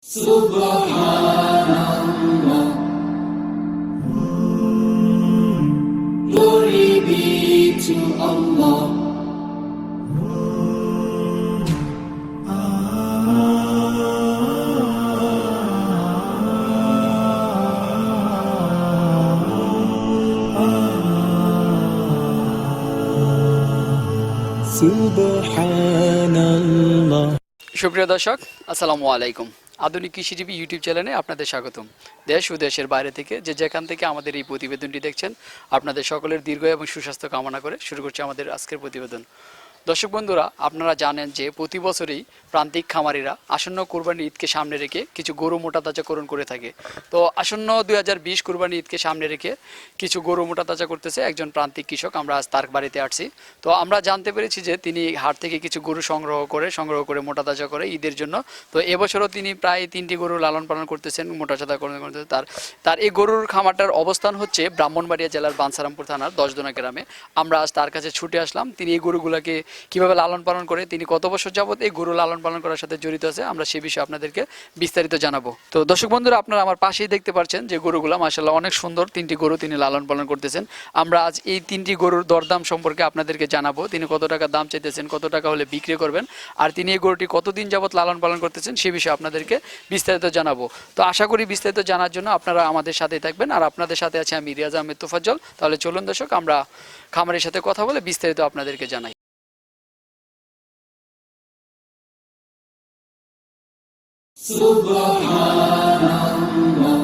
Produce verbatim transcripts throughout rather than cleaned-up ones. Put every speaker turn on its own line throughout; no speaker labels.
Subhanallah, glory be to Allah. Subhanallah.
সুপ্রিয় দর্শক, আসসালামু আলাইকুম। আধুনিক কৃষিজীবী ইউটিউব চ্যানেলে আপনাদের স্বাগতম। দেশ ও দেশের বাইরে থেকে যে যেখান থেকে আমাদের এই প্রতিবেদনটি দেখছেন, আপনাদের সকলের দীর্ঘ এবং সুস্বাস্থ্য কামনা করে শুরু করছি আমাদের আজকের প্রতিবেদন। দর্শক বন্ধুরা, আপনারা জানেন যে প্রতি বছরই প্রান্তিক খামারিরা আসন্ন কোরবানি ঈদকে সামনে রেখে কিছু গরু মোটা তাজাকরণ করে থাকে। তো আসন্ন দুই হাজার বিশ কোরবানি ঈদকে সামনে রেখে কিছু গরু মোটা তাজা করতেছে একজন প্রান্তিক কৃষক। আমরা আজ তার বাড়িতে আসছি। তো আমরা জানতে পেরেছি যে তিনি হাট থেকে কিছু গরু সংগ্রহ করে সংগ্রহ করে মোটা তাজা করে ঈদের জন্য। তো এবছরও তিনি প্রায় তিনটি গরু লালন পালন করতেছেন, মোটা তাজা করতে তার তার এই গরুর খামারটার অবস্থান হচ্ছে ব্রাহ্মণবাড়িয়া জেলার বাঞ্ছারামপুর থানার দশদোনা গ্রামে। আমরা আজ তার কাছে ছুটে আসলাম। তিনি এই গরুগুলোকে কিভাবে লালন পালন করে, তিনি কত বছর যাবত এই গরু লালন পালন করার সাথে জড়িত আছে, আমরা সে বিষয়ে আপনাদেরকে বিস্তারিত জানাবো। তো দর্শক বন্ধুরা, আপনারা আমার পাশেই দেখতে পাচ্ছেন যে গরুগুলো মাশাআল্লাহ অনেক সুন্দর। তিনটি গরু তিনি লালন পালন করতেছেন। আমরা আজ এই তিনটি গরুর দরদাম সম্পর্কে আপনাদেরকে জানাবো। তিনি কত টাকা দাম চাইতেছেন, কত টাকা হলে বিক্রি করবেন, আর তিনি এই গরুটি কতদিন যাবত লালন পালন করতেছেন সে বিষয়ে আপনাদেরকে বিস্তারিত জানাবো। তো আশা করি বিস্তারিত জানার জন্য আপনারা আমাদের সাথেই থাকবেন। আর আপনাদের সাথে আছে আমি রিয়াজ আহমেদ তোফাজ্জল। তাহলে চলুন দর্শক, আমরা খামারের সাথে কথা বলে বিস্তারিত আপনাদেরকে জানাই।
Subhanallah,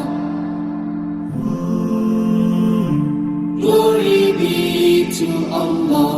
glory be to Allah.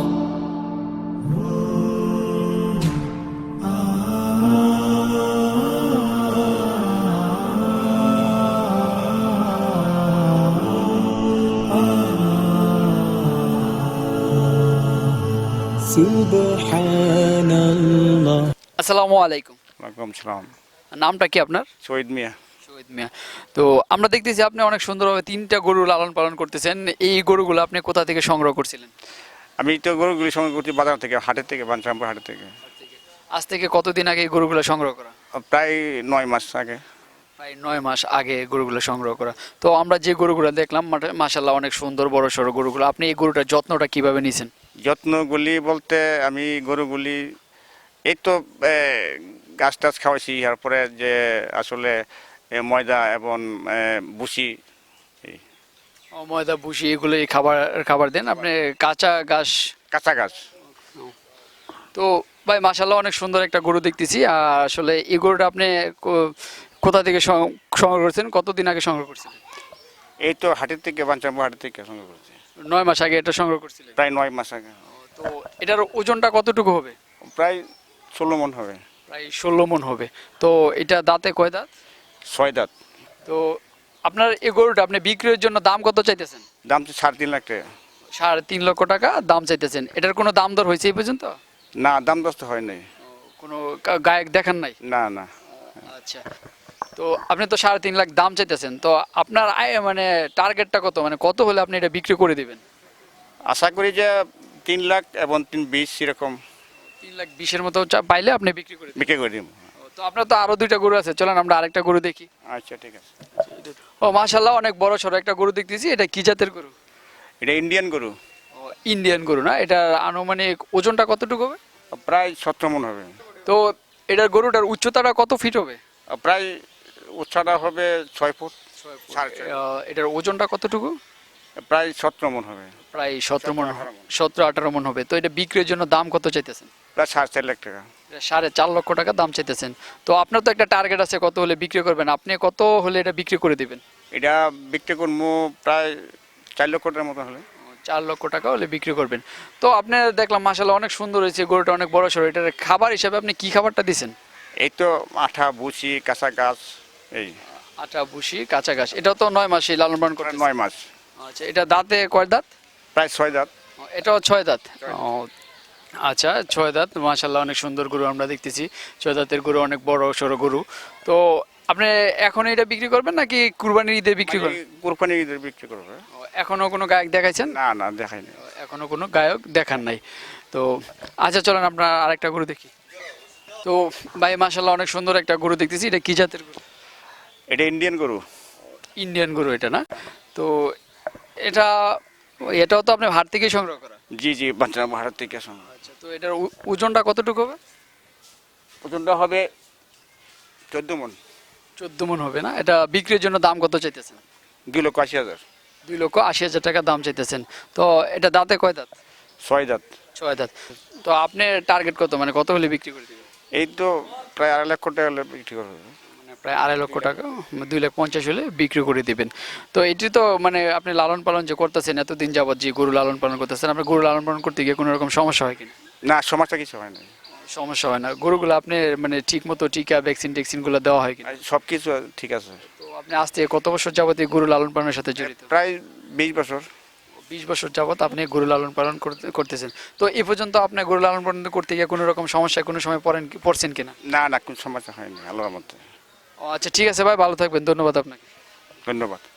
Subhanallah.
আসসালামু আলাইকুম।
ওয়ালাইকুম সালাম।
নামটা কি আপনার?
শহীদ মিয়া।
শহীদ মিয়া। তো আমরা দেখতেছি আপনি অনেক সুন্দরভাবে তিনটা গরু লালন পালন করতেছেন। এই গরুগুলো আপনি কোথা থেকে সংগ্রহ করছিলেন?
আমি তো গরুগুলি সংগ্রহ করছি বাজার থেকে, হাটের থেকে, বাঞ্ছারামপুর হাটের থেকে।
আজ থেকে কতদিন আগে এই গরুগুলো সংগ্রহ করা?
প্রায় নয় মাস আগে।
প্রায় নয় মাস আগে গরুগুলো সংগ্রহ করা। তো আমরা যে গরুগুলো দেখলাম মাশাআল্লাহ অনেক সুন্দর বড় সড়ো গরুগুলো। আপনি এই গরুটার যত্নটা কিভাবে নিয়েছেন?
যত্নগুলি বলতে আমি গরুগুলি এই তো গাছ টাছ খাওয়াইছি, তারপরে যে আসলে এ, ময়দা এবং এ, ভুসি এই
ও, ময়দা ভুসি এগুলো এই খাবার খাবার দেন আপনি? কাঁচা ঘাস?
কাঁচা গাছ।
তো ভাই মাশাআল্লাহ অনেক সুন্দর একটা গরু দেখতেছি। আর আসলে এই গরুটা আপনি কো- কোথা থেকে সং- সংগ্রহ করছেন, কতদিন আগে সংগ্রহ করছেন?
এই তো হাটের থেকে, বাঞ্ছারামপুর হাটের থেকে সংগ্রহ করছি।
নয় মাস আগে এটা সংগ্রহ করছিলেন?
প্রায় নয় মাস আগে।
তো এটার ওজনটা কতটুকু হবে?
প্রায় ষোলো মন হবে।
প্রায় ষোলো মন হবে। তো এটা দাঁতে কয় দাঁত?
ছয় দাঁত।
তো আপনার এই গরুটা আপনি বিক্রির জন্য দাম কত চাইতেছেন?
দাম তো সাড়ে তিন লাখ টাকা।
সাড়ে তিন লক্ষ টাকা দাম চাইতেছেন। এটার কোনো দাম দর হয়েছে এই পর্যন্ত?
না, দাম দস্ত হয় নাই।
কোনো গা- গায়ক দেখান নাই?
না না।
আচ্ছা। তো আপনি তো সাড়ে তিন লাখ দাম চাইতেছেন। তো আপনার আয় মানে টার্গেটটা কত, মানে কত হলে আপনি এটা বিক্রি করে দিবেন?
আশা করি যে তিন লাখ এবং তিন বিশ এরকম
তিন লাখ বিশের মতো চা- পাইলে আপনি বিক্রি করে দিবেন।
বিক্রি করে দিব।
তো আপনার তো আরো দুইটা গরু আছে, চলেন আমরা আরেকটা গরু দেখি।
আচ্ছা, ঠিক আছে।
ও মাশাআল্লাহ অনেক বড় সড়ো একটা গরু দেখতেছি। এটা কি জাতের গরু?
এটা ইন্ডিয়ান গরু।
ও, ইন্ডিয়ান গরু না? এটা আনুমানিক ওজনটা কতটুকু হবে?
প্রায় সতেরো মন হবে।
তো এটার গরুটার উচ্চতাটা কত ফিট হবে?
প্রায় উচ্চতা হবে ছয় ফুট। সাড়ে ছয়।
আহ, এটার ওজনটা কতটুকু?
প্রায় সতেরো মন হবে।
প্রায় সতেরো মন,
আঠারো মণ।
সতেরো আঠারো মন হবে। তো এটা বিক্রির জন্য দাম কত চাইতেছেন?
প্রায় সাড়ে চার লাখ টাকা।
এটা সাড়ে চার লক্ষ টাকা দাম চাইতেছেন। তো আপনার তো একটা টার্গেট আছে কত হলে বিক্রি করবেন, আপনি কত হলে এটা বিক্রি করে দিবেন?
এটা বিক্রি করবো প্রায় চার লক্ষ টাকার মতো হলে।
চার লক্ষ টাকা হলে বিক্রি করবেন। তো আপনি দেখলাম মাশাআল্লাহ অনেক সুন্দর হয়েছে গরুটা, অনেক বড় সড়ো। এটার খাবার হিসাবে আপনি কি খাবারটা দিচ্ছেন?
এই তো আঠা, ভুসি, কাঁচা গাছ এই।
আটা ভুসি কাঁচা ঘাস। এটাও তো নয় মাসে লালন পালন করে?
প্রায় নয় মাস।
আচ্ছা, এটা দাঁতে কয় দাঁত?
প্রায় ছয় দাঁত।
ও, এটাও ছয় দাঁত। ও, আচ্ছা, ছয় দাঁত। মাশাআল্লাহ অনেক সুন্দর গরু আমরা দেখতেছি। ছয় দাঁতের গরু, অনেক বড় সড়ো গরু। তো আপনি এখন এটা বিক্রি করবেন নাকি কুরবানির ঈদে বিক্রি করবেন?
কোরবানি ঈদের বিক্রি করবে।
ও, এখনো কোনো গায়ক দেখাইছেন?
না না, দেখাইনি।
এখনো কোনো গায়ক দেখান নাই। তো আচ্ছা, চলেন আমরা আরেকটা গরু দেখি। তো ভাই মাশাআল্লাহ অনেক সুন্দর একটা গরু দেখতেছি। এটা কি জাতের গরু?
এটা ইন্ডিয়ান গরু।
ইন্ডিয়ান গরু এটা না? তো এটা এটাও তো আপনি হাট থেকেই সংগ্রহ করা?
জি জি বাচ্চা ভারত থেকে আসুন।
আচ্ছা, তো এটার ও- ওজনটা কতটুকু হবে?
ওজনটা হবে চোদ্দ মন।
চোদ্দ মন হবে না? এটা বিক্রির জন্য দাম কত চাইতেছেন?
দুই লক্ষ আশি হাজার।
দুই লক্ষ আশি হাজার টাকা দাম চাইতেছেন। তো এটা দাঁতে কয় দাঁত?
ছয় দাঁত।
ছয় দাঁত। তো আপনার টার্গেট কত, মানে কত হলে বিক্রি করে দেবেন?
এই তো প্রায় আড়াই লক্ষ টাকা হলে বিক্রি করবে।
মানে প্রায় আড়াই লক্ষ টাকা, দুই লাখ পঞ্চাশ হলে বিক্রি করে দিবেন। তো এটি তো মানে আপনি লালন পালন যে করতেছেন এতদিন যাবত, যে গরু লালন পালন করতেছেন, আপনার গরু লালন পালন করতে গিয়ে কোনো রকম সমস্যা হয় কিনা?
না সমস্যা কিছু হয় না।
সমস্যা হয় না? গরুগুলো আপনি মানে ঠিক মতো টিকা ভ্যাকসিন ট্যাকসিনগুলো দেওয়া হয় কিনা?
সব কিছু ঠিক আছে।
তো আপনি আজ থেকে কত বছর যাবত এই গরু লালন পালনের সাথে জড়িত?
প্রায় বিশ বছর।
বিশ বছর যাবত আপনি গরু লালন পালন করতে- করতেছেন। তো এ পর্যন্ত আপনি গরু লালন পালন করতে গিয়ে কোনো রকম সমস্যায় কোনো সময় পড়েন কি- পড়ছেন কিনা?
না না কোনো সমস্যা হয়নি আল্লাহর মধ্যে।
ও আচ্ছা, ঠিক আছে ভাই, ভালো থাকবেন, ধন্যবাদ আপনাকে।
ধন্যবাদ।